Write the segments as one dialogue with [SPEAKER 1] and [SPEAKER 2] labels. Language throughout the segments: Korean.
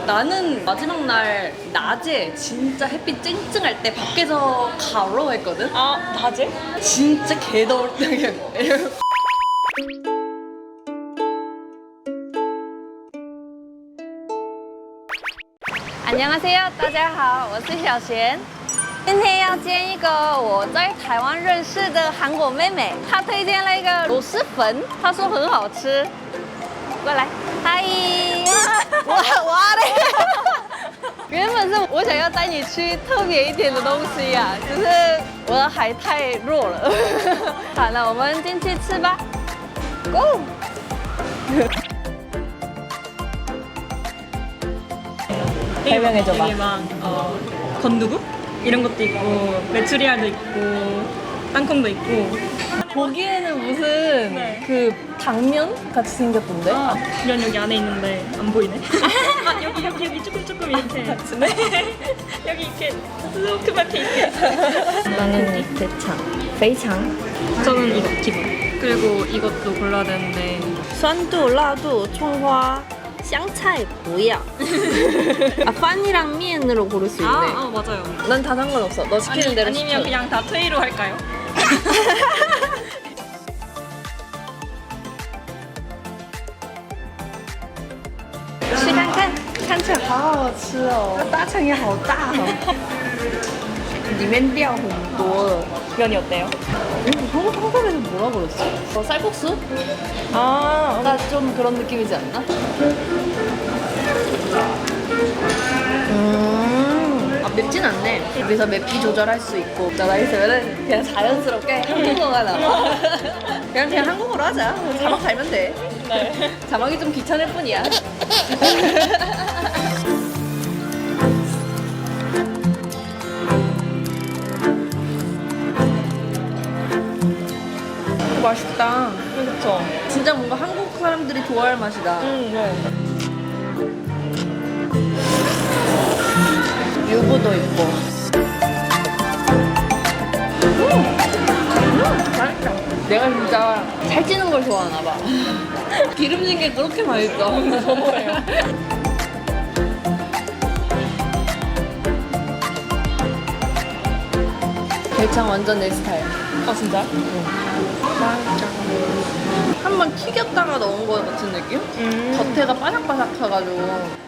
[SPEAKER 1] 나는 마지막 날 낮에 진짜 햇빛 쨍쨍할 때 밖에서 가로 했거든?
[SPEAKER 2] 아, 낮에?
[SPEAKER 1] 진짜 개더울 때 그냥 에어
[SPEAKER 3] 안녕하세요，大家好，我是小璇。今天要煎一个我在台湾认识的韩国妹妹，她推荐了一个螺蛳粉，她说很好吃。过来，嗨，哇嘞！原本是我想要带你去特别一点的东西呀、只是我的海太弱了。好，那我们进去吃吧，Go！
[SPEAKER 1] 설명해줘봐.
[SPEAKER 2] 여기 막 건두부 이런 것도 있고 메추리알도 있고 땅콩도 있고.
[SPEAKER 1] 보기에는 무슨
[SPEAKER 2] 네.
[SPEAKER 1] 그 당면 같이 생겼던데?
[SPEAKER 2] 아, 이런 여기 안에 있는데 안 보이네. 아, 여기 조금 이렇게. 네. 여기 이렇게 조그맣게 이렇게.
[SPEAKER 3] 나는 대창, 베이창.
[SPEAKER 2] 저는 이거 기본. 그리고 이것도 골라야 되는데.
[SPEAKER 3] 酸度、辣度、葱花、香菜不要. 아, 판이랑 미엔으로 고를 수 있네.
[SPEAKER 2] 아 맞아요.
[SPEAKER 1] 난 다 상관없어. 너 시키는 대로
[SPEAKER 2] 아니면
[SPEAKER 1] 시켜.
[SPEAKER 2] 그냥 다 트이로 할까요?
[SPEAKER 3] 试看看。
[SPEAKER 1] 看起来好好吃哦，大肠也好大哦，里面料很多了。
[SPEAKER 2] 면이 어때요?
[SPEAKER 1] 한국에서 뭐라 그랬어? 쌀국수?
[SPEAKER 2] 아,
[SPEAKER 1] 좀 그런 느낌이지 않나? 아, 맵진 않네. 여기서 맵기 조절할 수 있고. 나가 있으면은 그냥 자연스럽게 한국어가 나와. 그냥 한국어로 하자. 자막 달면 돼.
[SPEAKER 2] 네.
[SPEAKER 1] 자막이 좀 귀찮을 뿐이야. 맛있다.
[SPEAKER 2] 그렇죠.
[SPEAKER 1] 진짜 뭔가 한국 사람들이 좋아할 맛이다.
[SPEAKER 2] 네.
[SPEAKER 1] 유부도 있고. 맛있다. 내가 진짜 살찌는 걸 좋아하나 봐. 기름진 게 그렇게 맛있어.
[SPEAKER 2] 저도예요.
[SPEAKER 1] 대창 완전 내 스타일.
[SPEAKER 2] 아 진짜?
[SPEAKER 1] 한번 튀겼다가 넣은 거 같은 느낌? 겉에가 바삭바삭해가지고.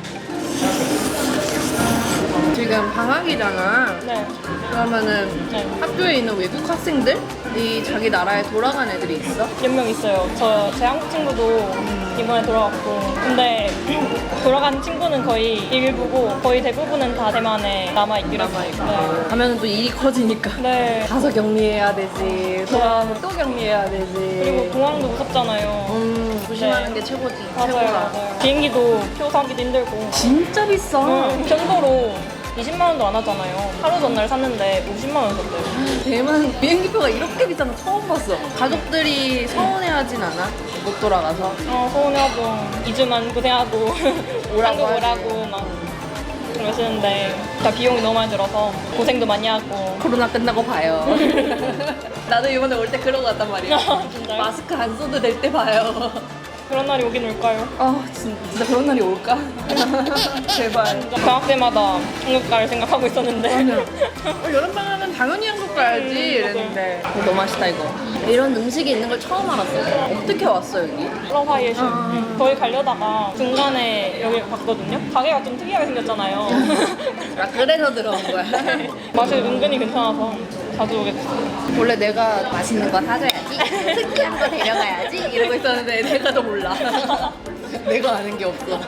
[SPEAKER 1] 지금 방학이잖아.
[SPEAKER 2] 네.
[SPEAKER 1] 그러면은
[SPEAKER 2] 네.
[SPEAKER 1] 학교에 있는 외국 학생들이 자기 나라에 돌아간 애들이 있어?
[SPEAKER 2] 몇 명 있어요. 제 한국 친구도 이번에 돌아왔고. 근데 돌아간 친구는 거의 일부고 거의 대부분은 다 대만에 남아있기로 했어요.
[SPEAKER 1] 가면은 또 일이 커지니까.
[SPEAKER 2] 네.
[SPEAKER 1] 가서 격리해야 되지. 돌아가면 또 격리해야 되지.
[SPEAKER 2] 그리고 공항도 무섭잖아요.
[SPEAKER 1] 조심하는
[SPEAKER 2] 네.
[SPEAKER 1] 게 최고지.
[SPEAKER 2] 맞아요,
[SPEAKER 1] 최고다.
[SPEAKER 2] 맞아요. 비행기도 표 사기도 힘들고.
[SPEAKER 1] 진짜 비싸.
[SPEAKER 2] 정도로 20만 원도 안 하잖아요. 하루 전날 샀는데 50만 원 썼대요.
[SPEAKER 1] 대만 비행기표가 이렇게 비싼 거 처음 봤어. 가족들이 서운해하진 않아? 못 돌아가서.
[SPEAKER 2] 서운해하고 2주만 고생하고
[SPEAKER 1] 오라고
[SPEAKER 2] 한국
[SPEAKER 1] 하지.
[SPEAKER 2] 오라고 막 그러시는데 다 비용이 너무 많이 들어서 고생도 많이 하고.
[SPEAKER 1] 코로나 끝나고 봐요. 나도 이번에 올 때 그러고 갔단 말이야.
[SPEAKER 2] 진짜요?
[SPEAKER 1] 마스크 안 써도 될 때 봐요.
[SPEAKER 2] 그런 날이 오긴 올까요?
[SPEAKER 1] 아 진짜 그런 날이 올까? 제발.
[SPEAKER 2] 방학 때마다 한국 갈 생각하고 있었는데.
[SPEAKER 1] 여름방학은 당연히 한국 가야지 이랬는데 너무 맛있다 이거. 이런 음식이 있는 걸 처음 알았어. 어떻게 왔어 여기?
[SPEAKER 2] 러바이에시 거기 가려다가 중간에 여기 봤거든요. 가게가 좀 특이하게 생겼잖아요.
[SPEAKER 1] 아 그래서 들어온 거야.
[SPEAKER 2] 맛이 은근히 괜찮아서 자주 오게 됐어요.
[SPEAKER 1] 원래 내가 맛있는 거 사줘야지, 특이한 거 데려가야지 이러고 있었는데 내가 더 몰라. 내가 아는 게 없어.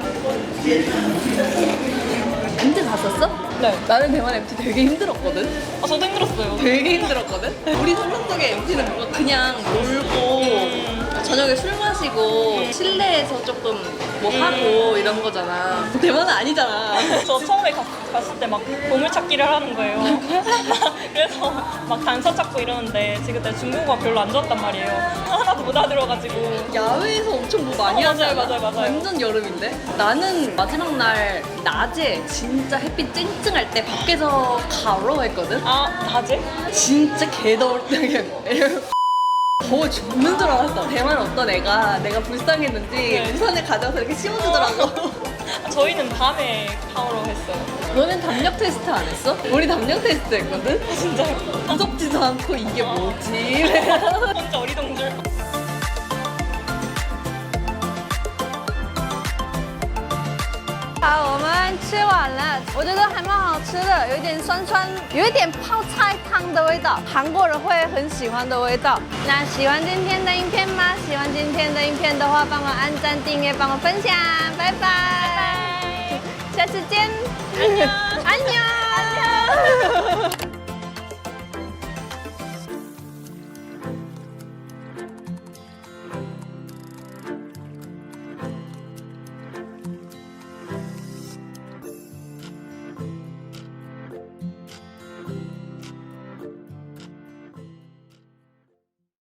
[SPEAKER 1] MT 갔었어?
[SPEAKER 2] 네.
[SPEAKER 1] 나는 대만 MT 되게 힘들었거든.
[SPEAKER 2] 아, 저도 힘들었어요.
[SPEAKER 1] 되게 힘들었거든. 우리 상상 속의 MT는 뭔가 그냥 놀고 저녁에 술 마시고 실내에서 조금 뭐 하고 이런 거잖아. 대만은 아니잖아.
[SPEAKER 2] 저 처음에 갔을 때 막 보물찾기를 하는 거예요. 그래서 막 단서 찾고 이러는데 지금 그때 중국어가 별로 안 좋았단 말이에요. 하나도 못 알아들어가지고.
[SPEAKER 1] 야외에서 엄청 뭐 많이
[SPEAKER 2] 맞아요,
[SPEAKER 1] 하잖아.
[SPEAKER 2] 맞아요.
[SPEAKER 1] 완전 여름인데? 나는 마지막 날 낮에 진짜 햇빛 쨍쨍할 때 밖에서 가로 했거든?
[SPEAKER 2] 아, 낮에?
[SPEAKER 1] 진짜 개더울 때 그냥 더워 죽는 줄 알았어. 대만 어떤 애가 내가 불쌍했는지
[SPEAKER 2] 네.
[SPEAKER 1] 우산을 가져와서 이렇게 씌워주더라고.
[SPEAKER 2] 저희는 밤에 샤워로 했어요.
[SPEAKER 1] 너는 담력 테스트 안 했어? 우리 담력 테스트 했거든?
[SPEAKER 2] 진짜요?
[SPEAKER 1] 무섭지도 않고 이게 뭐지?
[SPEAKER 2] 혼자 어리둥절.
[SPEAKER 3] 好，我们吃完了，我觉得还蛮好吃的，有一点酸酸，有一点泡菜汤的味道，韩国人会很喜欢的味道。那喜欢今天的影片吗？喜欢今天的影片的话，帮我按赞、订阅，帮我分享，拜拜，下次见，安妞，安妞。